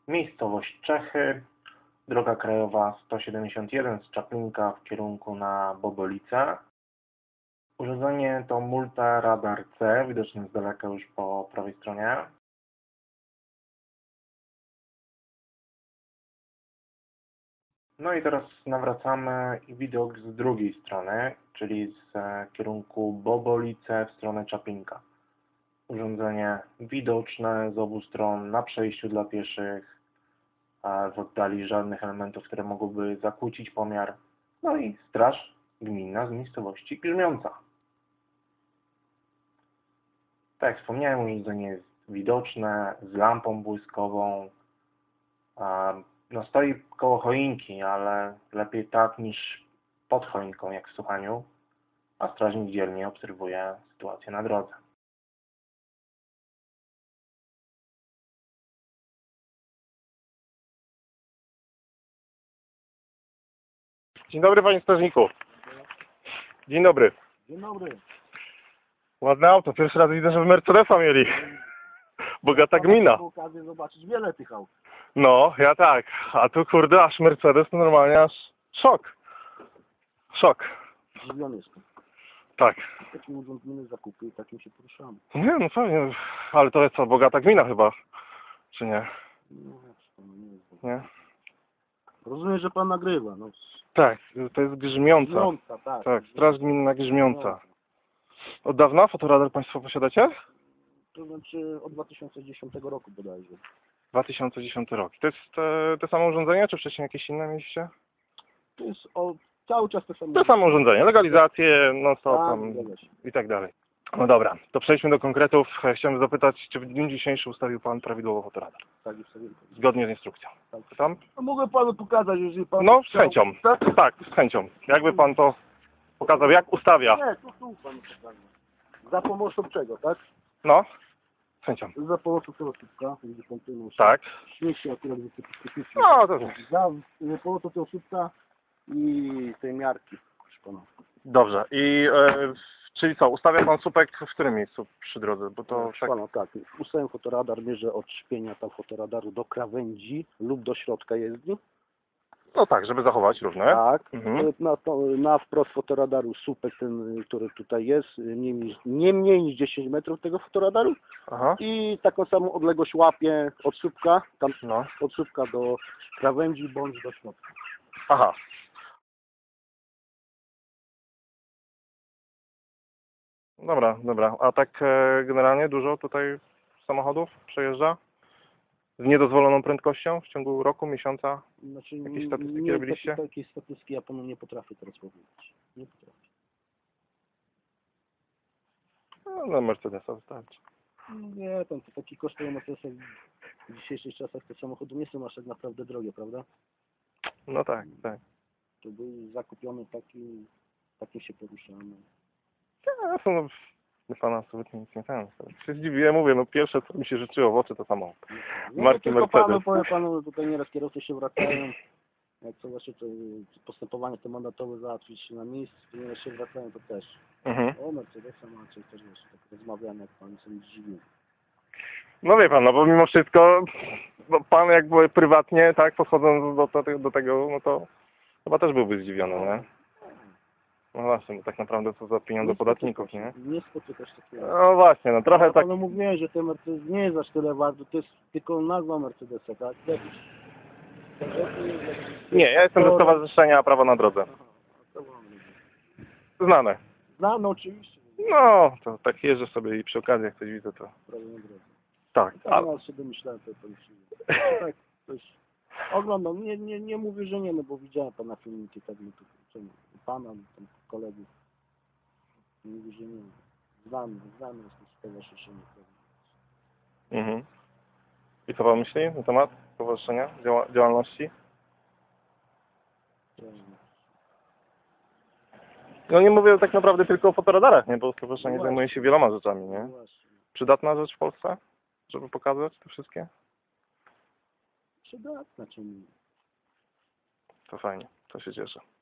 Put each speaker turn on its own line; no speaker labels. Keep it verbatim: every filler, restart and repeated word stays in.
Miejscowość Czechy, droga krajowa sto siedemdziesiąt jeden z Czaplinka w kierunku na Bobolice. Urządzenie to Multa Radar C, widoczny z daleka już po prawej stronie. No i teraz nawracamy widok z drugiej strony, czyli z kierunku Bobolice w stronę Czaplinka. Urządzenie widoczne z obu stron na przejściu dla pieszych, a w oddali żadnych elementów, które mogłyby zakłócić pomiar. No i straż gminna z miejscowości Grzmiąca. Tak jak wspomniałem, urządzenie jest widoczne, z lampą błyskową. No stoi koło choinki, ale lepiej tak niż pod choinką, jak w słuchaniu, a strażnik dzielnie obserwuje sytuację na drodze.
Dzień dobry, panie strażniku. Dzień dobry.
Dzień dobry.
Ładne auto. Pierwszy raz widzę, żeby Mercedesa mieli. Bogata gmina.
Mam okazję zobaczyć wiele tych aut.
No, ja tak. A tu kurde, aż Mercedes to normalnie aż szok. Szok.
Zdziwiony jestem.
Tak.
Takim urządzimy zakupy i takim się poruszamy.
Nie, no pewnie. Ale to jest co, bogata gmina chyba. Czy nie?
No, jak to nie jest.
Nie?
Rozumiem, że pan nagrywa. No.
Tak, to jest Grzmiąca.
Grzmiąca, tak.
Tak, straż gminna Grzmiąca. Od dawna fotoradar państwo posiadacie?
To znaczy od dwa tysiące dziesiątego roku bodajże.
dwa tysiące dziesiąty rok. To jest te, te samo urządzenie, czy wcześniej jakieś inne mieliście?
To jest o, cały czas to samo.
To samo urządzenie, legalizację, no co
Tak,
tam
zgadza się.
i tak dalej. No dobra, to przejdźmy do konkretów. Chciałem zapytać, czy w dniu dzisiejszym ustawił pan prawidłowo fotoradar?
Tak, już sobie.
Zgodnie z instrukcją.
Tak.
Tam?
No, mogę panu pokazać, jeżeli pan
No, z
chciał.
chęcią.
Tak?
Tak, z chęcią. Jakby pan to pokazał, jak ustawia.
Nie, tu, tu panu pokażę. Za pomocą czego, tak?
No, z chęcią.
Za pomocą tego słupka, gdzie pan tu nosi.
Tak.
Śmieci akurat wysypicznie.
No, to
Za pomocą tego słupka i tej miarki, proszę pana.
dobrze. I e, czyli co, ustawia pan słupek w którym miejscu przy drodze? Bo to
Proszę
tak...
pana, tak. Ustawiam fotoradar, mierzę od szpienia tam fotoradaru do krawędzi lub do środka jezdni.
No tak, żeby zachować równe.
Tak.
Mhm.
Na, to, na wprost fotoradaru słupek ten, który tutaj jest, nie, mniej- nie mniej niż dziesięć metrów tego fotoradaru.
Aha.
I taką samą odległość łapię od słupka, tam
No.
od słupka do krawędzi bądź do środka.
Aha. Dobra, dobra. A tak e, generalnie dużo tutaj samochodów przejeżdża? Z niedozwoloną prędkością w ciągu roku, miesiąca?
Znaczy,
Jakieś statystyki
nie,
robiliście?
takie- Takiej statystyki ja panu nie potrafię teraz powiedzieć. Nie potrafię.
No, no Mercedesa wystarczy.
Nie, pan to taki kosztują Mercedesach w dzisiejszych czasach te samochody nie są aż tak naprawdę drogie, prawda?
No tak, tak.
To był zakupiony taki, takim się poruszamy.
Ja są, no, nie pana absolutnie nic nie ten. Się zdziwiłem, mówię, no pierwsze co mi się życzyło w oczy to samochód.
No
Marki
to tylko
Mercedes.
panu, powiem panu, tutaj nieraz kierowcy się wracają, jak co właśnie to postępowanie te mandatowe załatwić na miejscu, to nieraz się wracają, to też.
Mhm.
O, Mercedesa macie, też wiesz, tak rozmawiamy, jak pan sobie dziwi.
No wie pan, no bo mimo wszystko, bo pan jakby prywatnie, tak, podchodząc do, do, do tego, no to chyba też byłby zdziwiony, nie? No właśnie, bo tak naprawdę co za pieniądze podatników, nie?
Nie spotykasz takiego.
No właśnie, no trochę tak...
Ale mówiłem, że ten Mercedes nie jest aż tyle wart, to jest tylko nazwa Mercedesa, tak?
Nie, ja jestem ze Stowarzyszenia Prawo na Drodze.
Aha, to mam.
Znane.
Znamy oczywiście.
No, to tak jeżdżę sobie i przy okazji jak coś widzę, to...
Prawie na drodze.
Tak,
Tak,
a...
ja się domyślałem, to to już tak, coś oglądam, nie, nie, nie mówię, że nie, no bo widziałem pana filmiki, tak, no to czemu, pana, tam kolegów, mówię, że nie, znamy, znamy, jest to stowarzyszenie.
Mhm. I co pan myśli na temat stowarzyszenia, działa, działalności? No nie mówię tak naprawdę tylko o fotoradarach, nie, bo stowarzyszenie
No
zajmuje się wieloma rzeczami,
No
nie?
właśnie,
Przydatna rzecz w Polsce, żeby pokazać te wszystkie?
przydatna, czemu nie?
To fajnie, to się cieszę.